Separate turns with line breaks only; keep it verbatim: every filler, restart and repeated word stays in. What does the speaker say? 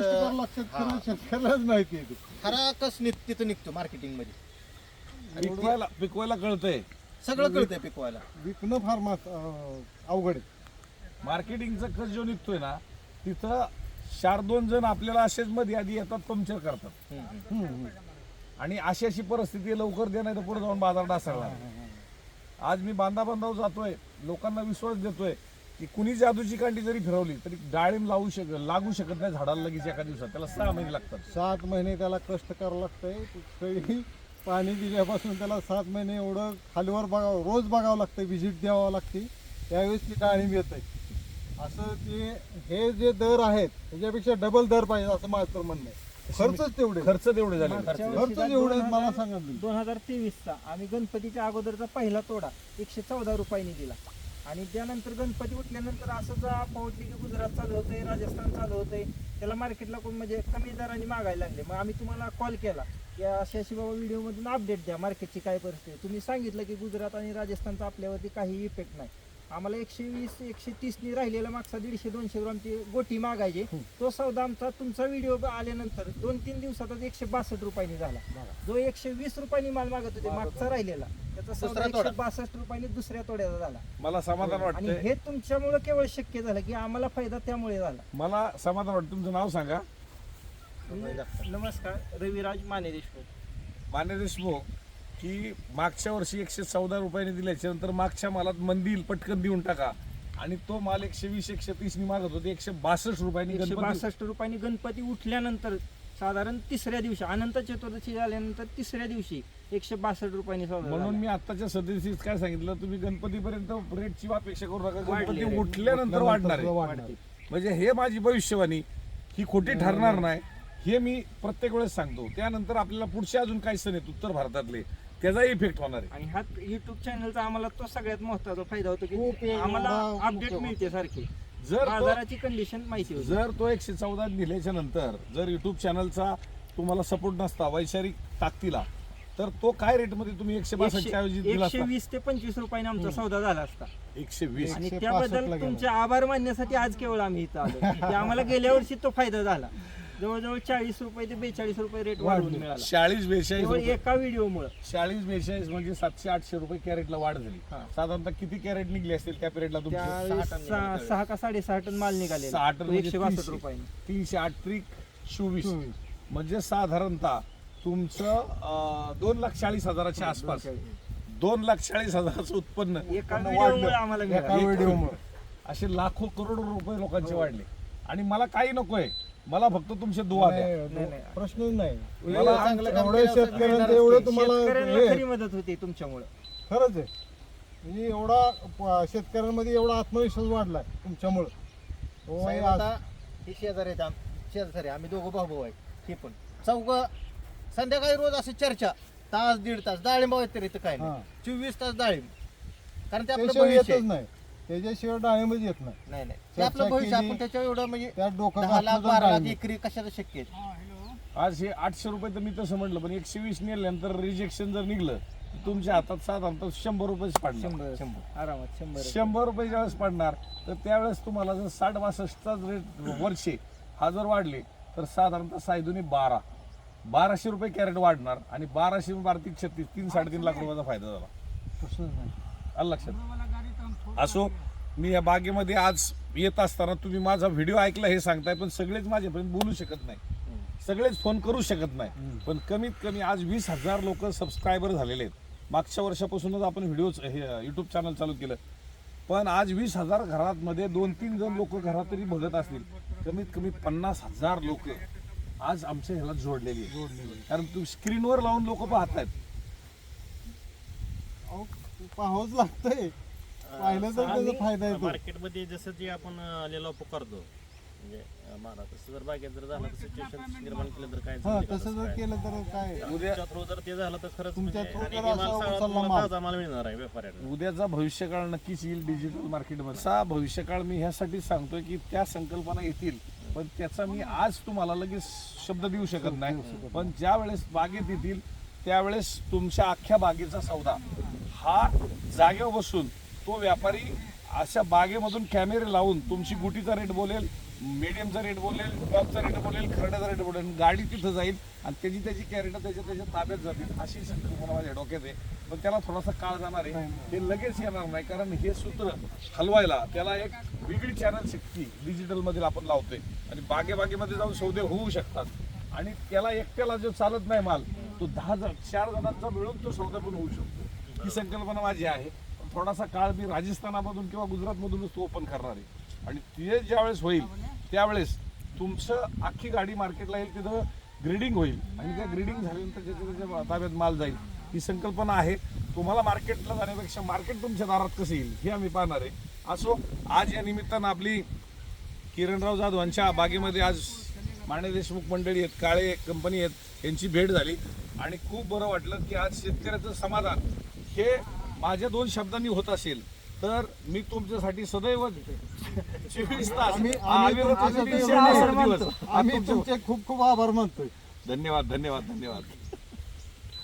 शेतकऱ्यालाच माहिती आहे
खरा कस निघ तिथं निघतो मार्केटिंग मध्ये
पिकवायला पिकवायला कळतंय,
सगळं कळतंय पिकवायला.
विकणं फार मात- अं, अवघड आहे.
मार्केटिंगचा खर्च जो निघतोय ना तिथं चार दोन जण आपल्याला असेच मध्ये आधी येतात, पंक्चर करतात.
हम्म, हम्म.
आणि अशी अशी परिस्थिती आहे, लवकर दे नाही तर पुढे जाऊन बाजार डासळला. आज मी बांधा बांधाव जातोय, लोकांना विश्वास देतोय की कुणी जादूची कांडी जरी फिरवली तरी डाळिंब लावू शक लागू शकत नाही झाडाला लगेच एका दिवसात. त्याला सहा महिने लागतात.
सात महिने त्याला कष्ट करावं लागतंय. कुठेही पाणी दिल्यापासून त्याला सात महिने एवढं खालीवर बघावं, रोज बघावं लागतं, व्हिजिट द्यावं लागते, त्यावेळेस ती डाळिंब येत आहे. असं ते हे जे दर आहेत त्याच्यापेक्षा डबल दर पाहिजे असं माझं तर म्हणणं आहे. खर्चच तेवढे
खर्च तेवढे झाले.
खर्च जेवढे मला सांगा तुम्ही.
दोन हजार तेवीसचा आम्ही गणपतीच्या अगोदरचा पहिला तोडा एकशे चौदा रुपयांनी दिला आणि त्यानंतर गणपती उठल्यानंतर असं जर पावटली की गुजरात चालू होतंय, राजस्थान चालू होतंय, त्याला मार्केटला कोण म्हणजे कमी दराने मागायला लागले. मग आम्ही तुम्हाला कॉल केला की अशी अशी बाबा व्हिडिओमधून अपडेट द्या मार्केटची काय परिस्थिती. तुम्ही सांगितलं की गुजरात आणि राजस्थानचा आपल्यावरती काही इफेक्ट नाही. आम्हाला एकशे वीस एकशे तीसनी राहिलेला मागचा दीडशे दोनशे ग्रामची गोटी मागायचे. तो सौदा आमचा तुमचा व्हिडिओ आल्यानंतर दोन तीन दिवसातच एकशे बासष्ट रुपयांनी झाला. जो एकशे वीस रुपयांनी माल मागत होते मागचा राहिलेला त्याचा सौदा एकशे बासष्ट रुपयांनी दुसऱ्या तोड्याचा झाला.
मला समाधान
आणि
वाटतंय.
हे तुमच्यामुळे केवळ शक्य झालं की आम्हाला फायदा त्यामुळे झाला.
मला समाधान वाटतं. तुमचं नाव सांगा.
नमस्कार, रविराज माने देशमुख.
मान्य देशमुख की मागच्या वर्षी एकशे चौदा रुपयांनी दिल्याच्या नंतर मागच्या मालात मंदी पटकन देऊन टाका आणि तो माल एकशे वीस एकशे तीस नी मागत होते एकशे बासष्ट रुपयांनी.
एकशे
गणपती
बासष्ट रुपयांनी गणपती उठल्यानंतर साधारण तिसऱ्या दिवशी अनंत चतुर्दशी झाल्यानंतर तिसऱ्या दिवशी एकशे बासष्ट रुपयांनी सौदा
म्हणून
झाला.
मी आताच्या सदस्यच काय सांगितलं, तुम्ही गणपतीपर्यंत रेटची अपेक्षा करू नका.
वाढली
गणपती
rate.
उठल्यानंतर वाढणार आहे.
वाढते.
म्हणजे हे माझी भविष्यवाणी ही खोटी ठरणार नाही हे मी प्रत्येक वेळेस सांगतो. त्यानंतर आपल्याला पुढचे अजून काही सण आहेत उत्तर भारतातले, त्याचा इफेक्ट होणार आहे.
आणि हा युट्यूब चॅनलचा आम्हाला तो सगळ्यात महत्वाचा फायदा होतो
खूप
की
आहे,
आम्हाला
एवढा
अपडेट
मुख्य
मिळते सारखी,
जर तो-
बाजाराची कंडिशन माहिती होती.
जर तो एकशे चौदा दिल्याच्या नंतर जर युट्यूब चॅनलचा तुम्हाला सपोर्ट नसता वैचारिक ताकदीला, तर तो काय रेटमध्ये तुम्ही एकशे बासष्टच्या ऐवजी दिला
एकशे
असता?
वीस ते पंचवीस रुपयाने आमचा सौदा झाला असता.
एकशे वीस
आणि
एकशे
त्याबद्दल
पासष्टला गेला.
तुमचे आभार मानण्यासाठी आज केवळ आम्ही इथं आलो की आम्हाला गेल्या वर्षी तो फायदा झाला. जवळजवळ चाळीस रुपये ते बेचाळीस रुपये रेट वाढवून मिळाला
चाळीस बेचाळीस
केवळ
रुपये.
एका व्हिडिओमुळे.
चाळीस बेचाळीस म्हणजे सातशे आठशे रुपये कॅरेटला वाढ झाली.
हा.
साधारणतः किती कॅरेट निघले असतील त्या पिरियडला तुमचे?
त्यावेळेस
सहा टन
सहा
निघाले.
सहा का साडेसहा टन माल
सहा
निघालेला
टन
तो
म्हणजे
एकशे बासष्ट
तीनशे.
रुपयांनी.
तीनशे आठ त्रिक चोवीस
चोवीस.
म्हणजे साधारणतः तुमचं अं, दोन लाख चाळीस हजाराच्या आसपास दोन लाख चाळीस हजाराचं उत्पन्न
एका
उत्पन्न
व्हिडिओमुळे
वाढलं.
आम्हाला
एका
मिळालं.
व्हिडिओमुळे
असे लाखो करोडो रुपये लोकांचे वाढले. आणि मला काही नकोय, मला फक्त तुमचे दुआ द्या.
नाही, नाही.
प्रश्नच नाही.
मला
चांगलं काम
एवढे
केलं असं
शेतकऱ्यांचं
मिळणारच
एवढं
की.
तुम्हाला
शेतकऱ्यांना
हे-
खरी मदत होते तुमच्यामुळे.
खरंच आहे. म्हणजे एवढा प- शेतकऱ्यांमध्ये एवढा आत्मविश्वास वाढलाय तुमच्यामुळं. हो, हे
साहेब,
आज-
आता हे शेजारी आहेत आम- शेजारी आम्ही दोघं भाऊ भाऊ आहे. हे पण चौघ संध्याकाळी रोज अशी चर्चा तास दीड तास डाळिंब आहेत तरी इथं काय
हा.
नाही चोवीस तास डाळिंब. कारण ते आपलं
त्याशिवाय
भविष्य
येतच
आहे.
नाही. त्याच्याशिवाय डाळिंबच येत नाही.
नाही नाही ते
चर्चा
आपलं भविष्य
केली.
आपण त्याच्यावर एवढं म्हणजे
त्या डोकं
दहा लाख
घातलं तर
बारा लाख
डाळिंब.
एकरी कशाचं शक्य आहे.
आज हे आठशे रुपये तर मी तसं म्हटलं, पण एकशे वीस नेल्यानंतर रिजेक्शन जर निघलं तर तुमच्या हातात साधारणतः शंभर रुपयेच पडणार.
शंभर
शंभर.
आरामात शंभर
शंभर रुपये ज्यावेळेस पडणार तर त्यावेळेस तुम्हाला जर साठ बासष्टचा रेट वर्षे हा जर वाढले तर साधारणतः सायदुनी बारा बाराशे रुपये कॅरेट वाढणार आणि बाराशे बारा तीन छत्तीस तीन साडेतीन लाख रुपयाचा फायदा झाला.
प्रश्नच नाही.
आलं लक्षात. असो, मी या बागेमध्ये आज येत असताना तुम्ही माझा व्हिडिओ ऐकला हे सांगताय, पण सगळेच माझ्यापर्यंत बोलू शकत नाही, सगळेच फोन करू शकत नाही. पण कमीत कमी आज वीस हजार लोक सबस्क्रायबर झालेले आहेत. मागच्या वर्षापासूनच आपण व्हिडिओ हे युट्यूब चॅनल चालू केलं, पण आज वीस हजार घरामध्ये दोन तीन जण लोक घरात तरी बघत असतील. कमीत कमी पन्नास हजार लोक आज आमच्या ह्याला जोडलेली आहेत. कारण तू स्क्रीनवर लावून लोक पाहतायत.
अहो, पाहावंच लागतंय. पाहिलं तर त्याचा फायदा येतो.
मार्केटमध्ये जसं जे आपण आलेला पुकारतो म्हणजे मारा तसं जर बागेत जर झालं तर सिच्युएशन निर्माण केलं तर काय
हा,
झालं
तसं जर
काय?
केलं तर काय
तुमच्या थ्रू जर ते झालं तर खरंच
तुमच्या
म्हणजे
through
आणि
जर
हे माल
असा
सगळा
उचलला
तुम्हाला
माल.
ताजा माल मिळणार आहे व्यापाऱ्यांना.
उद्याचा भविष्यकाळ नक्कीच येईल डिजिटल मार्केटमध्ये. असा भविष्यकाळ मी ह्यासाठी सांगतोय की त्या संकल्पना येतील, पण त्याचा मी आज तुम्हाला लगेच शब्द देऊ शकत नाही. पण ज्या वेळेस बागेत येतील त्यावेळेस तुमच्या अख्ख्या बागेचा सौदा हा जागेवर बसून तो व्यापारी अशा बागेमधून कॅमेरे लावून तुमची गुटीचा रेट बोलेल, मीडियमचा रेट बोलेल, टॉपचा रेट बोलेल, कार्डाचा रेट पडेल, गाडी तिथं जाईल आणि त्याची त्याची कॅरेट त्याच्या त्याच्या ताब्यात जातील, अशी संकल्पना माझ्या डोक्यात आहे. पण त्याला थोडासा काळ जाणार आहे, हे लगेच येणार नाही, कारण हे सूत्र हलवायला त्याला एक वेगळी चॅनल शक्ती डिजिटलमध्ये आपण लावतोय आणि बागेबागेमध्ये जाऊन सौदे होऊ शकतात. आणि त्याला एकट्याला जो चालत नाही माल, तो दहा जण चार जणांचा मिळून तो सौदा पण होऊ शकतो. ही संकल्पना माझी आहे. पण थोडासा काळ मी राजस्थानामधून किंवा गुजरातमधूनच तो ओपन करणार आहे आणि ते ज्यावेळेस होईल त्यावेळेस तुमचं अख्खी गाडी मार्केटला येईल, तिथं ग्रेडिंग होईल आणि त्या ग्रेडिंग झाल्यानंतर ज्याच्या त्याच्या ताब्यात माल जाईल. ही संकल्पना आहे. तुम्हाला मार्केटला जाण्यापेक्षा मार्केट तुमच्या दारात कसं येईल हे आम्ही पाहणार आहे. असो, आज या निमित्तानं आपली किरणराव जाधवांच्या बागेमध्ये आज माने देशमुख मंडळी आहेत, काळे कंपनी आहेत, यांची भेट झाली आणि खूप बरं वाटलं की आज शेतकऱ्याचं समाधान हे माझ्या दोन शब्दांनी होत असेल तर मी तुमच्यासाठी सदैव चोवीस तास
आम्ही
आम्ही
आम्ही
तुमच्यासाठी
तुमचे
दिवस.
आम्ही तुमचे खूप खूप आभार मानतोय.
धन्यवाद धन्यवाद धन्यवाद